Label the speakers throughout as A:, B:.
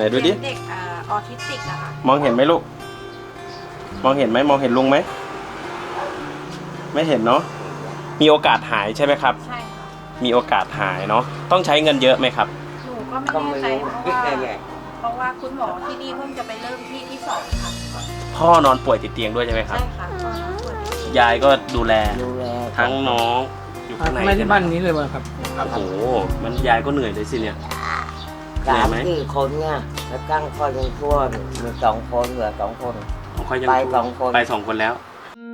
A: นดูดิ
B: เด็กออทิสติกอะค่ะ
A: มองเห็นไหมลูกมองเห็นไหมมองเห็นลุงไหมไม่เห็นเนาะมีโอกาสหายใช่ไหมครับ
B: ใช่ค่ะ
A: มีโอกาสหายเนาะต้องใช้เงินเยอะไหมครับ
B: หนูก็ไม่แน่ใจเพราะว่าคุณหมอที่นี่เพิ่งจะไปเริ่มที่2ค่ะ
A: พ่อนอนป่วยติดเตียงด้วยใช่ไหมครับ
B: ใช่ค่ะ
A: ยายก็ดูแลทั้งน้องอยู่ข้างใน
C: ไม่ได้บ้านนี้เลยมั้งครับ
A: โอ้โหมันยายก็เหนื่อยเลยสิเนี่ย
D: 3-4 คนเนี่ยแล้วตั้งคอยยังชั่วมี2 คนเหลือ2 คนไป2 คน
A: ไป2 คนแล้ว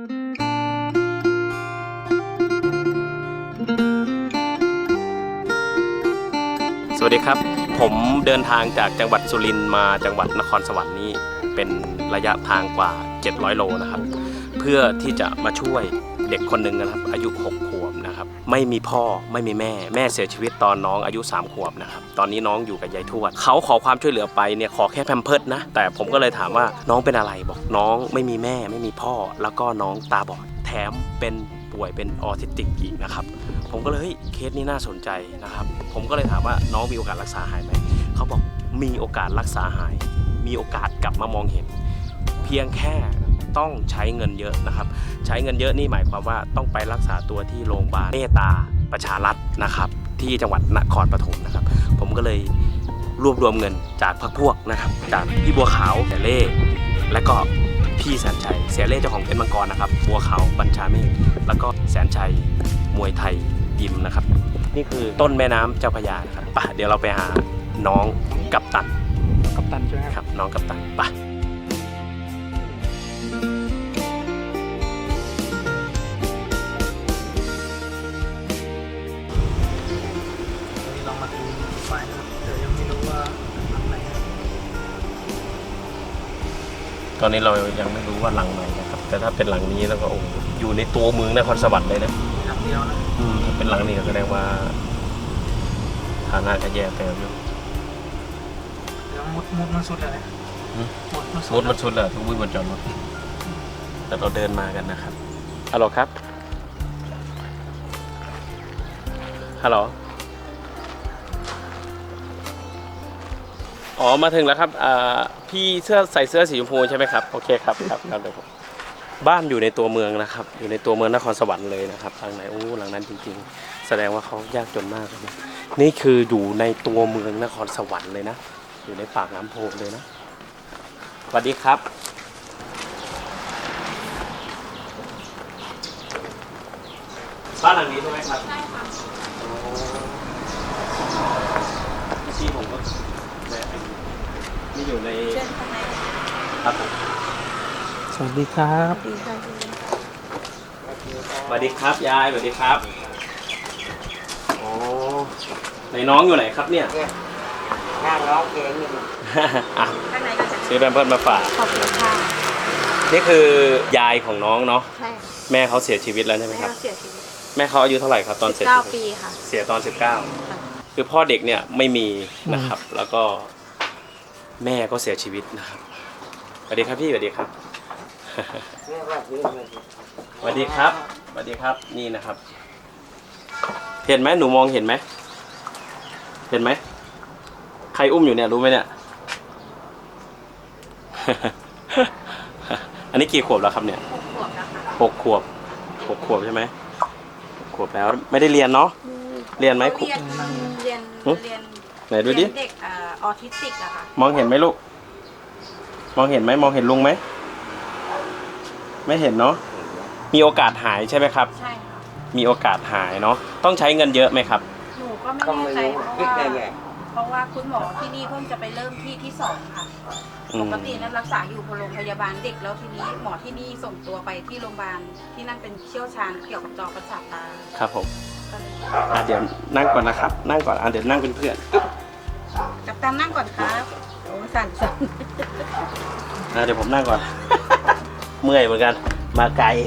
A: สวัสดีครับผมเดินทางจากจังหวัดสุรินทร์มาจังหวัดนครสวรรค์นี่เป็นระยะทางกว่า700โลนะครับเพื่อที่จะมาช่วยเด็กคนหนึ่งนะครับอายุ6 ขวบนะครับไม่มีพ่อไม่มีแม่เสียชีวิตตอนน้องอายุ3 ขวบนะครับตอนนี้น้องอยู่กับยายทวดเขาขอความช่วยเหลือไปเนี่ยขอแค่แพมเพิร์สนะแต่ผมก็เลยถามว่าน้องเป็นอะไรบอกน้องไม่มีแม่ไม่มีพ่อแล้วก็น้องตาบอดแถมเป็นป่วยเป็นออทิสติกอีกนะครับผมก็เลยเคสนี้น่าสนใจนะครับผมก็เลยถามว่าน้องมีโอกาสรักษาหายไหมเขาบอกมีโอกาสรักษาหายมีโอกาสกลับมามองเห็นเพียงแค่ต้องใช้เงินเยอะนะครับใช้เงินเยอะนี่หมายความว่าต้องไปรักษาตัวที่โรงพยาบาลเมตตาประชารัฐนะครับที่จังหวัดนครปฐมนะครับผมก็เลยรวบรวมเงินจากพรรคพวกนะครับจากพี่บัวขาวเสเล่และก็พี่แสนชัยเสียเล่เจ้าของเพชรมังกรนะครับบัวขาวบัญชาเมฆแล้วก็แสนชัยมวยไทยยิมนะครับนี่คือต้นแม่น้ำเจ้าพระยานะครับป่ะเดี๋ยวเราไปหาน้องกัปตัน
C: ใช่ไหม
A: ครับน้องกัปตันป่ะ
C: ลองมาดูไฟนะครับแต่ยังไม่รู้ว่าหลังไหน
A: ตอนนี้เรายังไม่รู้ว่าหลังไหนนะครับแต่ถ้าเป็นหลังนี้แล้วก็โอ้อยู่ในตัวเมืองนครสวรรค์เลยนะ
C: หลังเดียวนะ
A: ถ้าเป็นหลังนี้ก็แสดงว่าฐานะจะแย่เติมอยู่
C: เดี๋ยวมุดมันสุดเลย
A: มุดมันสุดเลยทุกวิ่งบนจอดรถแต่เราเดินมากันนะครับฮัลโหลครับฮัลโหลอ๋อมาถึงแล้วครับพี่ใส่เสื้อสีชมพูใช่ไหมครับโอเคครับครับเดี๋ยวผมบ้านอยู่ในตัวเมืองนะครับอยู่ในตัวเมืองนครสวรรค์เลยนะครับทางไหนโอ้หลังนั้นจริงๆแสดงว่าเขายากจนมากเลยนะนี่คืออยู่ในตัวเมืองนครสวรรค์เลยนะอยู่ในปากน้ำโพเลยนะสวัสดีครับบ้านหลังนี้ใช่ไหมครับใช่ค่ะที่ผมก็นี่อยู่ในครับผม
C: สวัสดีครับ
A: สวัสดีครับยายสวัสดีครับโอ้ในน้องอยู่ไหนครับเนี่ย
D: นั่งร้องเพลงอยู่
A: ซื้อแพมเพิร์สมาฝาก
B: ขอบคุณค่ะ
A: นี่คือยายของน้องเนาะ
B: ใช่
A: แม่เขาเสียชีวิตแล้วใช่ไหมครับ
B: เสียชีวิต
A: แม่เขาอายุเท่าไหร่ครับตอนเสียชีวิต
B: 19 ปีค่ะ
A: เสียตอน19คือพ่อเด็กเนี่ยไม่มีนะครับแล้วก็แม่ก็เสียชีวิตนะครับสวัสดีครับพี่สวัสดีครับสวัสดีครับสวัสดีครับนี่นะครับเห็นไหมหนูมองเห็นไหมเห็นไหมใครอุ้มอยู่เนี่ยรู้ไหมเนี่ย อันนี้กี่ขวบแล้วครับเนี่ย6 ขวบใช่ไหม6 ขวบแล้วไม่ได้เรียนเนาะเรียนไหม
B: เรียน
A: ไหนดูดิ
B: เด็กออทิสติกอะค่ะ
A: มองเห็นไหมลูกมองเห็นไหมมองเห็นลุงไหมไม่เห็นเนาะมีโอกาสหายใช่ไหมครับ
B: ใช่ค่ะ
A: มีโอกาสหายเนาะต้องใช้เงินเยอะไหมครับ
B: หนูก็ไม่แน่ใจเพราะว่าคุณหมอที่นี่เพิ่งจะไปเริ่มที่2ค่ะปกตินั้นรักษาอยู่โรงพยาบาลเด็กแล้วทีนี้หมอที่นี่ส่งตัวไปที่โรงพยาบาลที่นั่นเป็นเชี่ยวชาญเกี่ยวกับจอประสาทตา
A: ครับผมเดี๋ยวนั่งก่อนนะครับนั่งก่อนเดี๋ยวนั่งเป็นเพื่อน
B: กัปตันนั่งก่อนครับโอ้สั่น
A: เดี๋ยวผมนั่งก่อนเมื่อยเหมือนกันมาไกล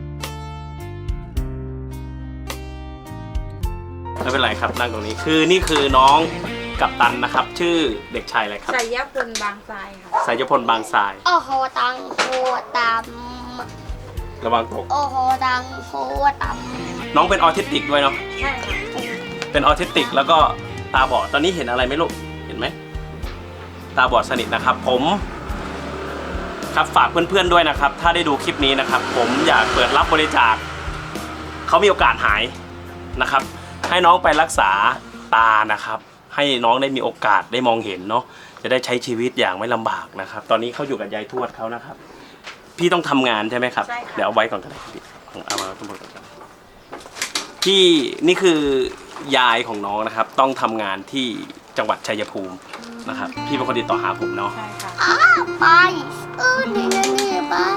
A: ไม่เป็นไรครับนั่งตรงนี้คือนี่คือน้องกัปตันนะครับชื่อเด็กชายอะไรครับ
B: สายพลบางทรายค่ะ
A: สายพลบางทราย
E: โอ้โหตังโคต
A: ระวังตก
E: โอ้โหตังโคต
A: น้องเป็นออทิสติกด้วยเนาะ
B: ใช่ค่ะ
A: เป็นออทิสติกแล้วก็ตาบอดตอนนี้เห็นอะไรไหมลูกเห็นไหมตาบอดสนิทนะครับผมครับฝากเพื่อนๆด้วยนะครับถ้าได้ดูคลิปนี้นะครับผมอยากเปิดรับบริจาคเขามีโอกาสหายนะครับให้น้องไปรักษาตานะครับให้น้องได้มีโอกาสได้มองเห็นเนาะจะได้ใช้ชีวิตอย่างไม่ลำบากนะครับตอนนี้เขาอยู่กับยายทวดเขานะครับพี่ต้องทำงานใช่ไหมครับ
B: ใช่ค่ะ
A: เดี๋ยวเอาไว้ก่อนก็ได้พี่เอามาทั้งหมดก่อนพี่นี่คือยายของน้องนะครับต้องทำงานที่จังหวัดชัยภูมินะครับพี่เป็นคนติดต่อหาผมเนาะ
B: ใช่ค่ะ
E: ไปนี่บ้า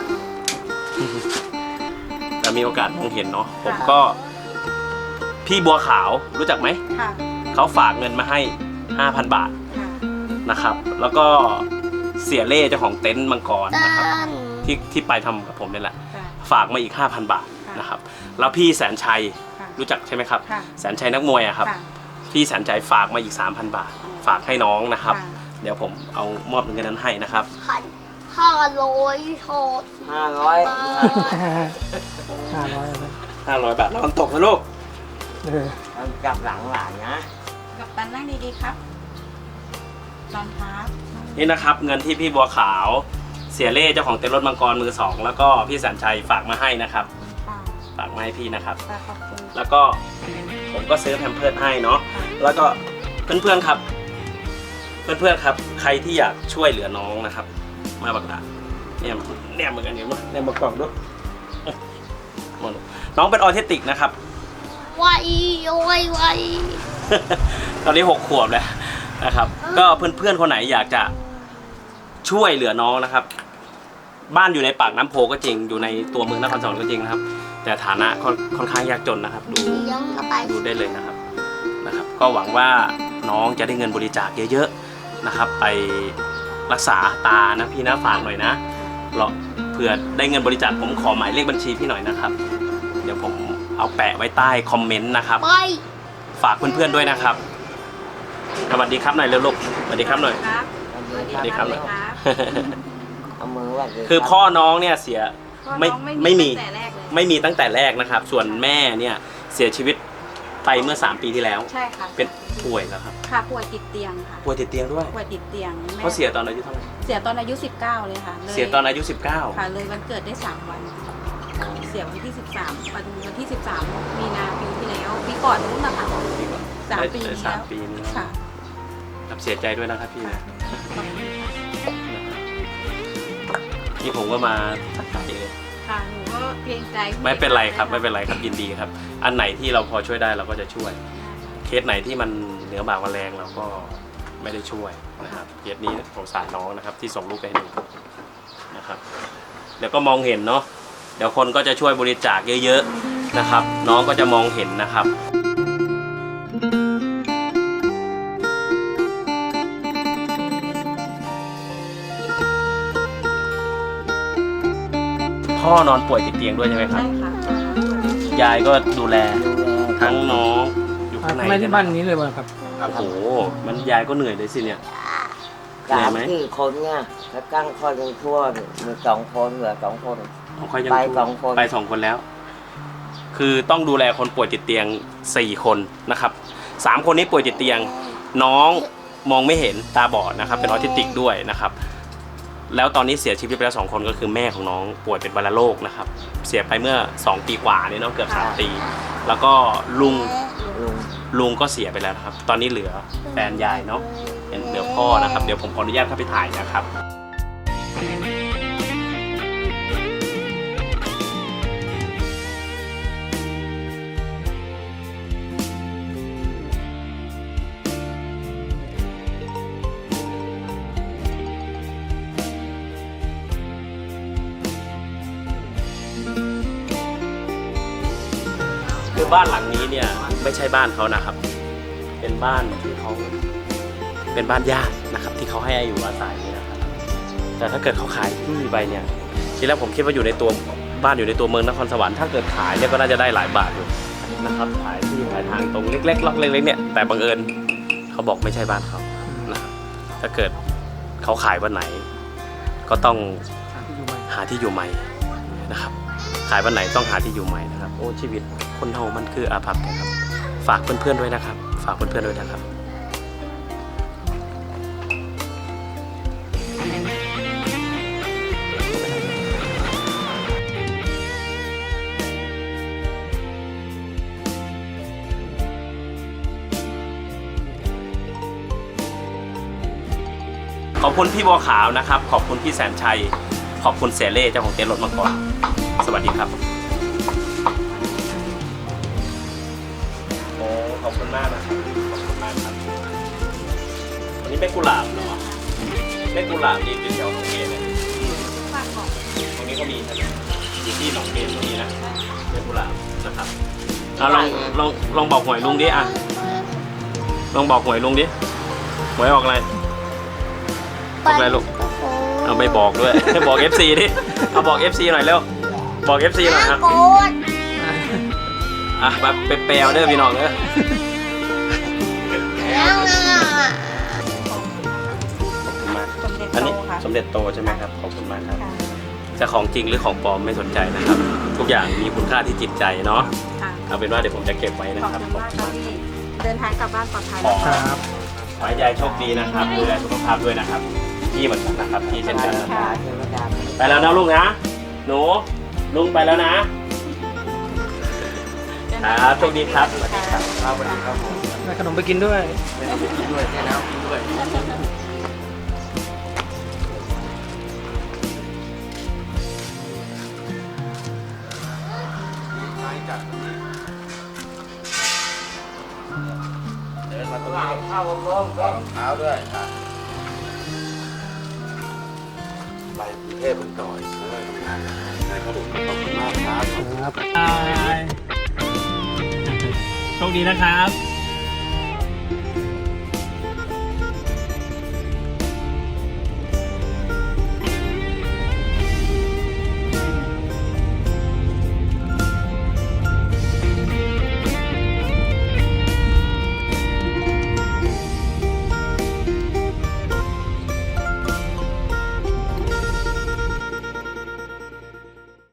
A: แต่มีโอกาสมองเห็นเนาะผมก็พี่บัวขาวรู้จักไหม
B: ค่ะ
A: เขาฝากเงินมาให้ 5,000 บาท
B: ค่ะ
A: นะครับแล้วก็เสียเล่เจ้าของเต็นท์มังกร
E: ตั
A: นะครับ
E: น
A: ที่ไปทำกับผมนี่แหละ
B: ค่ะ
A: ฝากมาอีก 5,000 บาท
B: ค่ะ
A: นะครับแล้วพี่แสนชัย
B: ค่ะ
A: รู้จักใช่ไหมครับ
B: ค่ะ
A: แสนชัยนักมวยอะครับ
B: ค่ะ
A: พี่แสนชัยฝากมาอีก 3,000 บาท ฝากให้น้องนะครับ
B: ค่ะ
A: เดี๋ยวผมเอามอบเงินนั้นให้นะครับ
E: 500โทษ
D: 500
C: 500
A: 500 บาทระวังตกนะลูก
D: มันจับหลังหลานนะ
B: กับตันนั่งดีๆครับนอนพัก
A: นี่นะครับเงินที่พี่บัวขาวเสียเล่เจ้าของเต็นท์รถมังกรมือ 2 แล้วก็พี่แสนชัยฝากมาให้นะครับ
B: ค่ะ
A: ฝากมาให้พี่นะครับ
B: ค่ะขอบคุณ
A: แล้วก็ผมก็ซื้อแพมเพิร์สให้เนาะแล้วก็เพื่อนๆครับใครที่อยากช่วยเหลือน้องนะครับ มาบักดาเนี่ยเหมือนกันเนี่ยมั้ยเนี่ยมากล่องด้วยน้องเป็นออทิสติกนะครับ
E: ไวไว
A: ตอนนี้6 ขวบแล้วนะครับ ก็เพื่อนๆคนไหนอยากจะช่วยเหลือน้องนะครับ บ้านอยู่ในปากน้ำโพก็จริงอยู่ในตัวเมืองนครสวรรค์ก็จริงนะครับ แต่ฐานะค่อนข้างยากจนนะครับ ดู
E: เลี้ยงกระต่าย
A: ได้เลยนะครับ ก็หวังว่าน้องจะได้เงินบริจาคเยอะๆนะครับ ไปรักษาตานะพี่นะฝากหน่อยนะเผื่อได้เงินบริจาคผมขอหมายเลขบัญชีพี่หน่อยนะครับ เดี๋ยวผมเอาแปะไว้ใต้คอมเมนต์นะครับ
E: ไป
A: ฝากเพื่อนๆด้วยนะครับสวัสดีครับหน่อยเร็วลูกสวัสดีครับหน่อย
B: ครับ
A: สวัสดีครับหน่อย
D: เอามือว่า
A: คือพ่อน้องเนี่ยเสีย ไม่
B: ไม่มี
A: ไม่มี
B: ตั้งแต่แรกเลย
A: ไม่มีตั้งแต่แรกนะครับ ส่วนแม่เนี่ยเสียชีวิตไปเมื่อ3 ปีที่แล้ว
B: ใช่ค่ะ
A: เป็นป่วยแล้วครับ
B: ค่ะป่วยติดเตียงค่ะ
A: ป่วยติดเตียงด้วย
B: ป่วยติดเตียงแม่
A: เขาเสียตอนอายุเท่าไหร่
B: เสียตอนอายุ 19 เลยค่ะล
A: เสียตอนอายุ
B: ค่ะเลยวันเกิดได้ 3 วัน เสียวันที่ 13วันที่ 13 มีนาปีที่แล้วปีก่อนนู้นนะคะ
A: 19
B: 3 ปี
A: ได้
B: ที่แล้ว
A: 3 ปีนี้
B: ค่ะ
A: ครับเสียใจด้วยนะครับพี่
B: ค่ะขอบคุณค่ะ
A: นี่ผมก็มาทักทายเลย
B: ค่ะหนูก็เกรงใจ
A: ไม่เป็นไรครับไม่เป็นไรครับยินดีครับ อันไหนที่เราพอช่วยได้เราก็จะช่วย เคสไหนที่มันเหนือบากกว่าแรงเราก็ไม่ได้ช่วยนะครับเคสนี้สงสารน้องนะครับที่ส่งลูกไปให้ดูนะครับเดี๋ยวก็มองเห็นเนาะเดี๋ยวคนก็จะช่วยบริจาคเยอะๆนะครับ น้องก็จะมองเห็นนะครับ พ่อนอนป่วยติดเตียงด้วยใช่ไหมครับ
B: ใช่ค่ะ
A: ยายก็ดูแล
D: ดูแล
A: ทั้งน้องอยู่ข้างใน
C: ไม่ที่บ้านนี้เลยมั้งครับ
A: โอ้โหมันยายก็เหนื่อยเลยสิเนี่ย
D: 3-4 คนเนี่ยแล้วกั้งคอยยังชั่วมี2 คนเหลือ2 คน
A: ของค่อยยัง
D: ไป2 คน
A: ไป2 คนแล้ว คือต้องดูแลคนป่วยติดเตียง4 คนนะครับ3 คนนี้ป่วยติดเตียง น้องมองไม่เห็นตาบอดนะครับ เป็นออทิสติกด้วยนะครับ แล้วตอนนี้เสียชีวิตไปแล้ว2 คนก็คือแม่ของน้องป่วยเป็นวัณโรคนะครับ เสียไปเมื่อ2 ปีกว่านี่เนาะเกือบ3 ปี แล้วก็ลุงก็เสียไปแล้วนะครับ ตอนนี้เหลือแฟนยายเนาะเหลือพ่อนะครับ เดี๋ยวผมขออนุญาตเข้าไปถ่ายนะครับ คือบ้านหลังนี้เนี่ยไม่ใช่บ้านเขานะครับ เป็นบ้านที่เขาเป็นบ้านญาตินะครับ ที่เขาให้อยู่อาศัยนะครับ แต่ถ้าเกิดเขาขายที่ไปเนี่ยทีแรกผมคิดว่าอยู่ในตัวบ้านอยู่ในตัวเมืองนครสวรรค์ถ้าเกิดขายเนี่ยก็น่าจะได้หลายบาทอยู่นะครับขายที่ขายทางตรงเล็กๆล็อกเล็กๆเนี่ยแต่บังเอิญเขาบอกไม่ใช่บ้านเขานะครับถ้าเกิดเขาขายวันไหน ก็ต้องหาที่อยู่ใหม่นะครับ ขายวันไหนต้องหาที่อยู่ใหม่นะครับโอ้ชีวิตคนเฮามันคืออาภัพนะครับฝากเพื่อนๆด้วยนะครับ ฝากเพื่อนๆด้วยนะครับขอบคุณพี่บัวขาวนะครับ ขอบคุณพี่แสนชัย ขอบคุณเสเล่เจ้าของเต็นท์รถมังกรสวัสดีครับโอ้ขอบคุณมากนะครับขอบคุณมากครับอันนี้เป็นกุหลาบเหรอเป็นกุหลาบนี่เป็นแถวหนองเกนนะ
B: ฝากบอก
A: ตรงนี้ก็มีใช่ไหมอยู่ที่หนองเกนตรงนี้นะเป็นกุหลาบนะครับเอาลองบอกหวยลุงดิอ่ะลองบอกหวยลุงดิหวยออกอะไรออกอะไรลูกเอาไม่บอกด้วย บอก FC ดิเอาบอก FC หน่อยเร็วบอก FC หน่อยครับ
E: โกด
A: อ่ะมาไปแปลเด้อพี่น้องเด้อ
E: ยังอ่ะ
A: ขอบคุณมาก
B: สมเด็จ
A: อัน
B: โต
A: นี้
B: ค่ะ
A: สมเด็จโตใช่ไหมครับขอบคุณมากครับ
B: ค่ะ
A: จะของจริงหรือของปลอมไม่สนใจนะครับ ทุกอย่างมีคุณค่าที่จิตใจเนาะ
B: ค่ะ
A: เอาเป็นว่าเดี๋ยวผมจะเก็บไว้นะ
B: ขอบ
A: ครับ
B: คุณ
A: ขอบ
B: มาก
A: คุณ
B: ค่ะ
A: มาก
B: พี่เดินทางกลับบ้านปลอดภัย
A: ขอ
B: นะคะ
C: ครับ
A: ขอให้ยายโชคดีนะครับดูแลสุขภาพด้วยนะครับพี่เหมือนกันนะครับพี่เช่นกันนะครับ
D: เทวดา
A: ไปแล้วนะลูกนะหนูลุงไปแล้วนะ ครับโชคดีครับสวัสดีครับ
C: ครับสวัสดีครับผมได้ขนมไปกินด้วย
A: ไม่ต้องไปกินด้วยแค่น้ำกินด้วย เดินมาตรงนี้
D: เข้าวงกลม
F: รองเท้าด้วยครับไปกรุงเทพเป็นต่อยแล้วก็ทำงานในขนมขอบคุณมากครับ
C: ครับ
A: โชคดีนะครับ